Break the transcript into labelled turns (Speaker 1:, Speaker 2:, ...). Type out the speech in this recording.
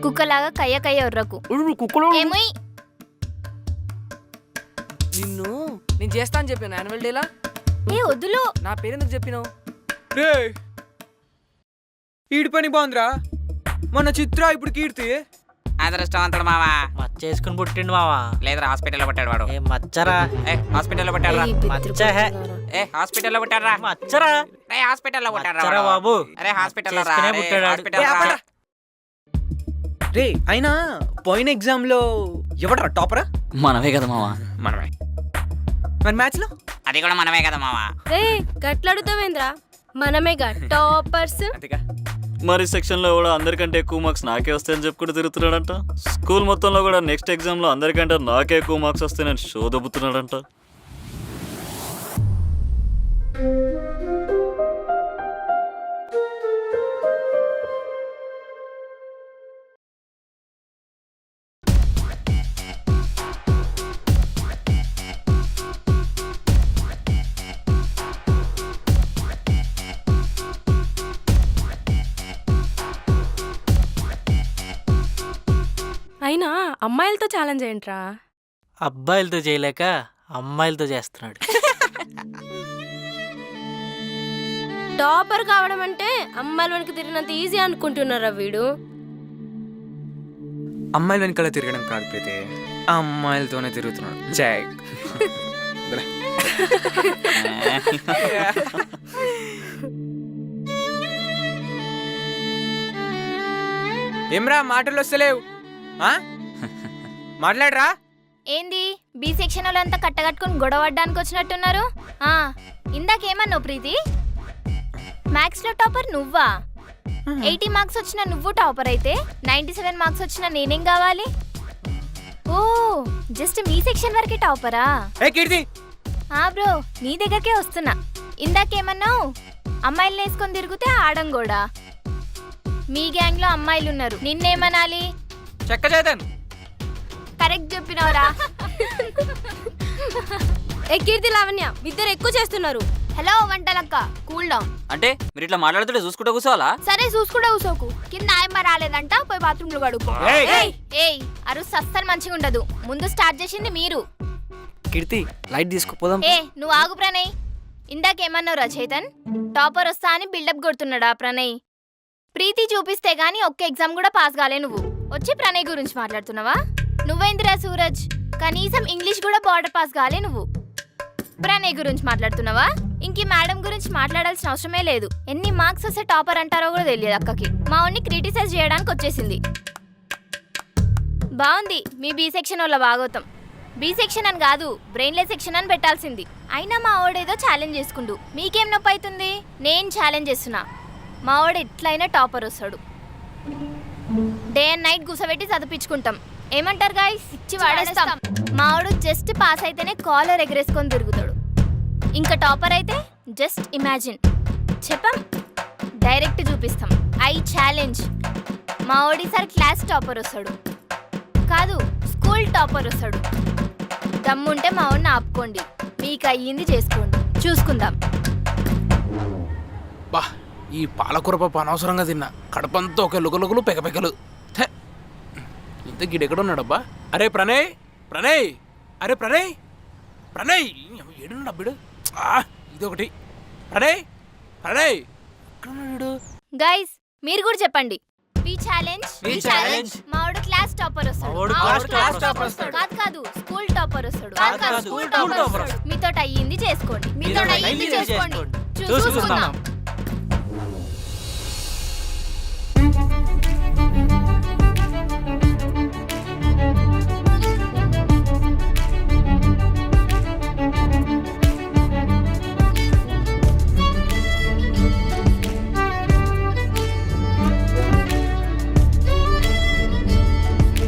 Speaker 1: కుక్కలాగా కయ్య కయ్య ఒర్రకు. ఏమోయ్
Speaker 2: నిన్ను నేను చేస్తా అని చెప్పాను యాన్యువల్ డేలా.
Speaker 1: ఏ వద్దులు.
Speaker 2: నా పేరెందుకు చెప్పినావు?
Speaker 3: రే ఈడి పని బాగుందిరా. మన చిత్ర ఇప్పుడు కీర్తి
Speaker 4: అదృష్టవంతుడు మావా.
Speaker 5: మచ్చేసుకుని పుట్టిండు మావా.
Speaker 4: లేదురా హాస్పిటల్లో పుట్టాడు వాడు.
Speaker 5: ఏ మచ్చరా
Speaker 4: హాస్పిటల్లో పుట్టాడు రా.
Speaker 5: మచ్చ హే
Speaker 4: హాస్పిటల్లో పుట్టాడు రా.
Speaker 5: మచ్చరా
Speaker 4: హాస్పిటల్లో పుట్టాడు
Speaker 5: మచ్చరా బాబు.
Speaker 4: అరే హాస్పిటల్లో రా.
Speaker 5: చేసుకునే పుట్టాడు వాడు.
Speaker 4: హాస్పిటల్లో రా.
Speaker 3: రే అయినా పోయిన ఎగ్జామ్ లో ఎవడరా టాపరా?
Speaker 4: మనమే కదా మావా. మనమే.
Speaker 3: మరి మ్యాథ్స్ లో
Speaker 4: అది కూడా మనమే కదా మావా.
Speaker 1: రే గట్లడుతావేంద్రా, మనమేగా టాపర్స్.
Speaker 3: అంతేగా.
Speaker 6: మరి సెక్షన్లో కూడా అందరికంటే ఎక్కువ మార్క్స్ నాకే వస్తాయని చెప్పుకుంటూ తిరుగుతున్నాడంట. స్కూల్ మొత్తంలో కూడా నెక్స్ట్ ఎగ్జామ్లో అందరికంటే నాకే ఎక్కువ మార్క్స్ వస్తాయని షో దొబ్బుతున్నాడంట.
Speaker 7: అయినా అమ్మాయిలతో ఛాలెంజ్ ఏంట్రా?
Speaker 5: అబ్బాయిలతో చేయలేక అమ్మాయిలతో చేస్తున్నాడు.
Speaker 7: టాపర్ కావడం అంటే అమ్మాయిల వెనక తిరిగినంత ఈజీ అనుకుంటున్నారా వీడు?
Speaker 3: అమ్మాయిల వెనకాల తిరగడం కాదు ప్రీతి, అమ్మాయిలతోనే తిరుగుతున్నాడు. జై ఏమ్రా మాటలు వస్తలేవు? మాట్లాడరా.
Speaker 1: ఏంది బి సెక్షన్ వాళ్ళంతా కట్టగట్టుకుని గొడవడ్డానికి వచ్చినట్టున్నారు? ఇందాకేమన్నావు ప్రీతి? మ్యాథ్స్ లో టాపర్ నువ్వా? 80 మార్క్స్ వచ్చిన నువ్వు టాపర్ అయితే 97 మార్క్స్ వచ్చిన నేనేం కావాలి? ఓ జస్ట్ మీ సెక్షన్ వరకే టాపరా?
Speaker 3: ఏ కీర్తి
Speaker 1: బ్రో నీ దగ్గరకే వస్తున్నా. ఇందాకేమన్నావు? అమ్మాయిలు వేసుకొని తిరిగితే ఆడం కూడా. మీ గ్యాంగ్ లో అమ్మాయిలు ఉన్నారు, నిన్నేమనాలి?
Speaker 3: చెక్క చేద్దాను.
Speaker 1: కరెక్ట్ చెప్పినవరా.
Speaker 7: ఏ కీర్తి లావణ్య ఇద్దరు ఎక్కువ చేస్తున్నారు.
Speaker 1: Hello Vantalakka, cool down.
Speaker 4: అంటే మీరు ఇట్లా మాట్లాడుతుంటే చూసుకుంటూ కూర్చోవాలా?
Speaker 1: సరే చూసుకుంటా కూసోకు. కింద ఆయమ్మ రాలేదంట, పోయి బాత్రూమ్ లో కడుక్కో. ఏయ్ అరుస్ అస్సలు మంచిగా ఉండదు. ముందు స్టార్ట్ చేసింది మీరు.
Speaker 2: కీర్తి లైట్ తీసుకుపోదాం.
Speaker 1: నువ్వు ఆగు ప్రణయ్. ఇందాకేమన్నావురా చైతన్? టాపర్ వస్తా అని బిల్డప్ కొడుతున్నాడా ప్రణయ్? ప్రీతి చూపిస్తే గానీ ఒక్క ఎగ్జామ్ కూడా పాస్ కాలే నువ్వు. వచ్చి ప్రణయ్ గురించి మాట్లాడుతున్నావా? నువ్వేందిరా సూరజ్, కనీసం ఇంగ్లీష్ కూడా బార్డర్ పాస్ కాలే నువ్వు. ప్రణయ్ గురించి మాట్లాడుతున్నావా? ఇంక మేడం గురించి మాట్లాడాల్సిన అవసరమే లేదు. ఎన్ని మార్క్స్ వస్తే టాపర్ అంటారో కూడా తెలియదు అక్కకి. మా వాడిని క్రిటిసైజ్ చేయడానికి వచ్చేసింది. బాగుంది మీ బి సెక్షన్ వాళ్ళ భాగవతం. బి సెక్షన్ అని కాదు, బ్రెయిన్లెస్ సెక్షన్ అని పెట్టాల్సింది. అయినా మా వాడేదో ఛాలెంజ్ చేసుకుంటూ మీకేం నొప్పి అవుతుంది? నేను ఛాలెంజ్ చేస్తున్నా. మా వాడు ఎట్లయినా టాపర్ వస్తాడు. డే అండ్ నైట్ కూసబెట్టి చదివించుకుంటాం. ఏమంటారు గాయ్స్? ఇచ్చి వాడేస్తాం. మా వాడు జస్ట్ పాస్ అయితేనే కాలర్ ఎగరేసుకొని తిరుగుతాడు. ఇంకా టాపర్ అయితే జస్ట్ ఇమాజిన్. చెప్పాం, డైరెక్ట్ చూపిస్తాం. I challenge. మా వాడు ఈసారి క్లాస్ టాపర్ వస్తాడు, కాదు స్కూల్ టాపర్ వస్తాడు. దమ్ముంటే మా వాడిని ఆపుకోండి, మీకు అయ్యింది చేసుకోండి, చూసుకుందాం.
Speaker 8: బా ఈ పాలకూర పప్పు అనవసరంగా తిన్నా. కడపంతా ఒక లుకలుకలు పెకపెకలు. ఇంత గిడెక్కడున్నాడబ్బా? అరే ప్రణయ్, ప్రణయ్, అరే ప్రణయ్, ప్రణయ్ ఏడున్నాడు అబ్బిడు? ఇది ఒకటి. ప్రణయ్, ప్రణయ్ ఎక్కడున్నాడు?
Speaker 1: గైస్ మీరు కూడా చెప్పండి. We challenge. మావాడు క్లాస్ టాపర్ వస్తాడు. కాదు స్కూల్ టాపర్ వస్తాడు. మీతో అయ్యింది చేసుకోండి, చూసుకుందాం.